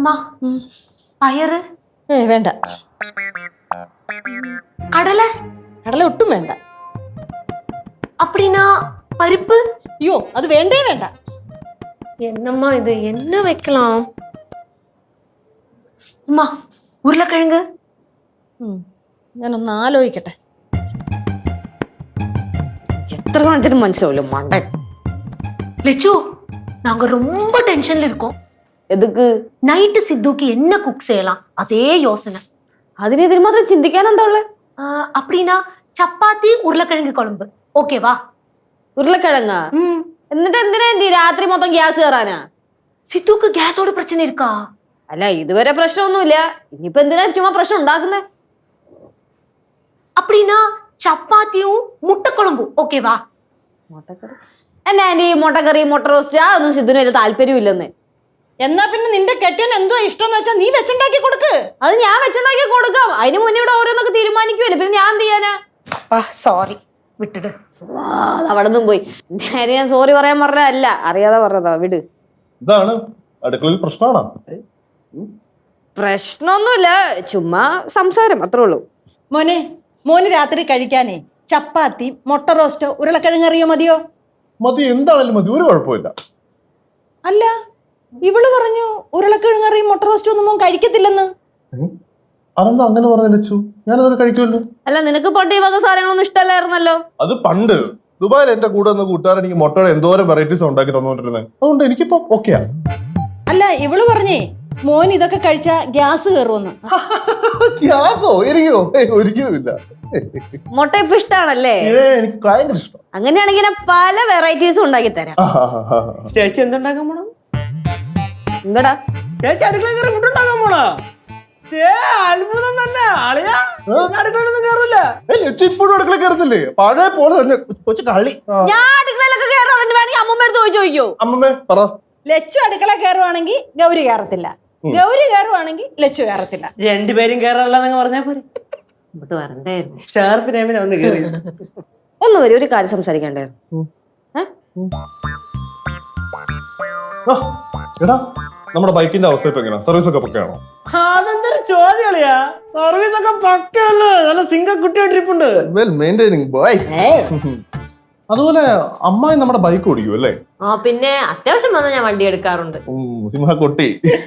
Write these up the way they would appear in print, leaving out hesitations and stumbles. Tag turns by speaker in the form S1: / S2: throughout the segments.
S1: அம்மா பயறு
S2: വേണ്ട.
S1: கடலை
S2: കടല ഒട്ടും വേണ്ട.
S1: அப்படின்னா பருப்பு
S2: അയ്യോ അത് വേണ്ടേ വേണ്ട.
S1: என்னம்மா இது என்ன வைக்கலாம் அம்மா உருளைக்கிழங்கு
S2: ഞാനൊന്ന് ആലോചിക്കട്ടെ.
S3: എത്ര കാണിച്ചിട്ട് മനസ്സിലാവില്ല മണ്ടൻ.
S1: லெச்சு நாங்க ரொம்ப டென்ஷன்ல இருக்கோம்.
S3: എതുക്ക്?
S1: நைட்டு சித்துக்கு என்ன குக் செய்யலாம் அதே யோசனை.
S3: അതിന് ഇതിന് മാത്രം ചിന്തിക്കാൻ എന്താ ഉള്ളത്?
S1: அப்படின்னா சப்பாத்தி உருளைக்கிழங்கு குழம்பு ஓகேவா?
S3: ഉരുളക്കിഴങ്ങ. എന്നിട്ട് എന്തിനാ രാത്രി മൊത്തം ഗ്യാസ് കയറാനാ?
S1: சித்துக்கு கேஸோட பிரச்சனை இருக்கா?
S3: അല്ല ഇതുവരെ പ്രശ്നമൊന്നുമില്ല. ഇനിയിപ്പോ എന്തിനാ ചുമ്മാ പ്രശ്നം ഉണ്ടാക്കുന്നേ?
S1: அப்படின்னா சப்பாத்தியும் முட்டை குழம்பு ஓகேவா?
S3: മുട്ടക്കറി എന്നാ ആന്റി മുട്ടക്കറി മുട്ട റോസ്റ്റ് അതൊന്നും സിദ്ധുന് വലിയ താല്പര്യമില്ലെന്ന്.
S2: എന്നാ പിന്നെ നിന്റെ കെട്ടിയൻ എന്തോ ഇഷ്ടം വെച്ചാ നീ വെച്ചുണ്ടാക്കി കൊടുക്ക്.
S3: അത് ഞാൻ വെച്ചുണ്ടാക്കി കൊടുക്കാം. അതിന് മുന്നേ ഇവിടെ ഓരോന്നൊക്കെ തീരുമാനിക്കുമല്ലേ, പിന്നെ ഞാൻ എന്ത് ചെയ്യാനാ?
S1: സോറി വിട്ടിട്.
S3: അവിടെ നിന്നും പോയി. നേരെ ഞാൻ സോറി പറയാൻ പറഞ്ഞതല്ല, അറിയാതെ പറഞ്ഞതാ. വിട്.
S4: ഇതാണ് അടുക്കളയിൽ പ്രശ്നമാണോ?
S3: പ്രശ്നമൊന്നുമില്ല, ചുമ്മാ സംസാരം അത്രേ ഉള്ളൂ.
S2: മോന് രാത്രി കഴിക്കാനേ ചപ്പാത്തി മുട്ട റോസ്റ്റോ ഉരുളക്കിഴങ്ങറിയോ മതിയോ?
S4: മതി, എന്താണേലും മതി, ഒരു കുഴപ്പമില്ല.
S2: അല്ല ഇവള് പറഞ്ഞു ഉരുളക്കിഴങ്ങറിയും മുട്ട റോസ്റ്റോ ഒന്നും മോൻ കഴിക്കത്തില്ലെന്ന്.
S4: അതെന്താ അങ്ങനെ പറഞ്ഞു ലച്ചു? ഞാനതൊക്കെ കഴിക്കുമല്ലോ.
S3: അല്ല നിനക്ക് പണ്ട് ഈ വക സാധനങ്ങളൊന്നും ഇഷ്ടമല്ലായിരുന്നല്ലോ.
S4: അത് പണ്ട് ദുബായിൽ എന്റെ കൂടെ ഒന്ന് കൂട്ടുകാരൻ എനിക്ക് മുട്ടയുടെ എന്തോരം വെറൈറ്റീസ് ഉണ്ടാക്കി തന്നുകൊണ്ടിരുന്നത്. അതുകൊണ്ട് എനിക്കിപ്പോ ഓക്കെയാ.
S2: അല്ല ഇവള് പറഞ്ഞേ മോൻ ഇതൊക്കെ കഴിച്ചാ ഗ്യാസ് കയറുമെന്ന്.
S4: ഗ്യാസോ? എനിക്കോ? ഒരിക്കലുമില്ല.
S3: മുട്ട ഇപ്പൊ ഇഷ്ടാണല്ലേ?
S4: എനിക്ക് ഭയങ്കര ഇഷ്ടം.
S3: അങ്ങനെയാണെങ്കിൽ ഞാൻ പല വെറൈറ്റീസും ഉണ്ടാക്കി തരാം.
S5: ചേച്ചി എന്തുണ്ടാക്കാൻ പോണോ?
S3: എന്താടാ
S5: ചേച്ചി അടുക്കള കയറി ഫുഡ് ഉണ്ടാക്കാൻ പോണോ? അത്ഭുതം തന്നെ. ആളിയാ അടുക്കളൊന്നും കയറൂല.
S4: ലച്ചു ഇപ്പോഴും അടുക്കള കയറത്തില്ലേ? പഴയ പോലെ തന്നെ കൊച്ചു കള്ളി.
S3: ഞാൻ അടുക്കളയിലൊക്കെ കയറാറുണ്ട്. വേണമെങ്കിൽ അമ്മമ്മ അടുത്ത് ചോദിക്കോ.
S4: അമ്മമ്മേ പറ.
S2: ലച്ചു അടുക്കള കയറുവാണെങ്കിൽ ഗൗരി കയറത്തില്ല, ഗൗരി കയറുവാണെങ്കിൽ ലച്ചു കയറത്തില്ല.
S5: രണ്ടുപേരും കയറാറില്ലെന്നങ്ങ് പറഞ്ഞാ പോരെ. ഷാർപ്പ് നേമിനെ വന്ന് കയറി.
S3: ഒന്ന് വരും, ഒരു കാര്യം സംസാരിക്കണ്ടായിരുന്നു.
S4: എടാ നമ്മുടെ ബൈക്കിന്റെ അവസ്ഥ ഇപ്പൊ എങ്ങനെയാ? സർവീസ് ഒക്കെ പക്കയാണോ?
S5: അതെന്തൊരു ചോദ്യളിയാ. സർവീസ് ഒക്കെ പക്കല്ലേ, നല്ല സിംഗ കുട്ടിയോ ട്രിപ്പുണ്ട്.
S4: Well maintaining boy. അതുപോലെ അമ്മായി നമ്മുടെ ബൈക്ക് ഓടിക്കും അല്ലേ?
S6: ആ പിന്നെ അത്യാവശ്യം വന്നാൽ ഞാൻ വണ്ടി എടുക്കാറുണ്ട്.
S4: സിംഹ കൊട്ടി.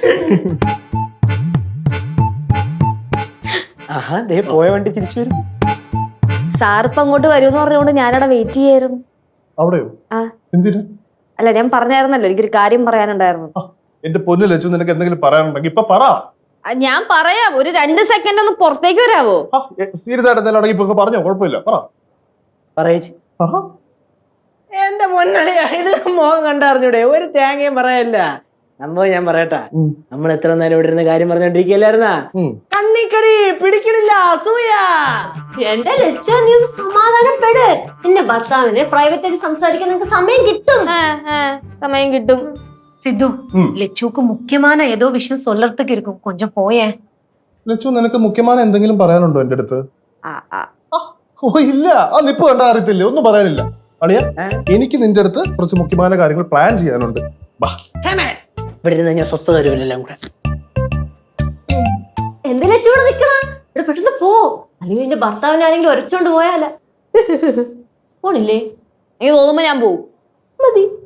S5: ആഹാ ദേ പോയ വണ്ടി തിരിച്ചു വരും.
S3: സാറിപ്പ അങ്ങോട്ട് വരുമെന്ന് പറഞ്ഞുകൊണ്ട് ഞാനവിടെ വെയിറ്റ് ചെയ്യായിരുന്നു.
S4: അവിടെയോ? എന്തിനു?
S3: അല്ല ഞാൻ പറഞ്ഞായിരുന്നല്ലോ എനിക്കൊരു കാര്യം പറയാനുണ്ടായിരുന്നു.
S4: എന്റെ പൊന്നു ലച്ചു, നിനക്ക് എന്തെങ്കിലും പറയാനുണ്ടെങ്കിൽ ഇപ്പൊ പറ.
S3: ഞാൻ പറയാം, ഒരു 2 സെക്കൻഡ് ഒന്ന് പുറത്തേക്ക് വരാവോ?
S4: സീരിയസ് ആയിട്ട് എന്തെങ്കിലും ഇപ്പൊ പറഞ്ഞോ, കുഴപ്പമില്ല, പറ.
S5: പറയേച്ചി. എന്റെ പൊന്നളിയാ, ഇത് മോഹം കണ്ടറിഞ്ഞൂടെ? ഒരു തേങ്ങയും പറയല്ല. സംഭവം ഞാൻ പറയട്ടാ, നമ്മൾ എത്ര നേരം ഇവിടെ ഇരുന്ന് കാര്യം പറഞ്ഞോണ്ടിരിക്കല്ലായിരുന്നാ? കണ്ണിക്കടി പിടിക്കണില്ല, അസൂയ.
S6: എന്റെ ലക്ഷ്യം നീ സമാധാനപ്പെട്. എന്റെ ഭർത്താവിന് പ്രൈവറ്റ് ആയിട്ട് സംസാരിക്കാൻ നിനക്ക് സമയം കിട്ടും.
S3: സമയം കിട്ടും.
S1: சித்து லெச்சுக்கு முக்கியமான ஏதோ விஷயம் சொல்லறதுக்கு இருக்கும், கொஞ்சம் போயேன்.
S4: ലച്ചു, നിനക്ക് മുഖ്യമായ എന്തെങ്കിലും പറയാനുണ്ടോ എന്റെ അടുത്ത്? ഓ ഇല്ല, ആ നിപ്പ് കണ്ട അറിയത്തില്ലേ, ഒന്നും പറയാനില്ല. അളിയ, എനിക്ക് നിന്റെ അടുത്ത് കുറച്ച് മുഖ്യമായ കാര്യങ്ങൾ പ്ലാൻ ചെയ്യാനുണ്ട്.
S5: ഇവിടെ ഇരുന്ന് ഞാൻ സ്വസ്ഥത തരുമല്ലോ കൂടെ.
S6: എന്ത് ലച്ചൂടെ നിക്കണ? ഇവിടെ പെട്ടെന്ന് പോ, അല്ലെങ്കിൽ നിന്റെ ഭർത്താവിനെ ആരെങ്കിലും ഒരച്ചോണ്ട് പോയാല. പോണില്ലേ?
S3: എനിക്ക് തോന്നുമ്പോ ഞാൻ പോവും.
S6: മതി.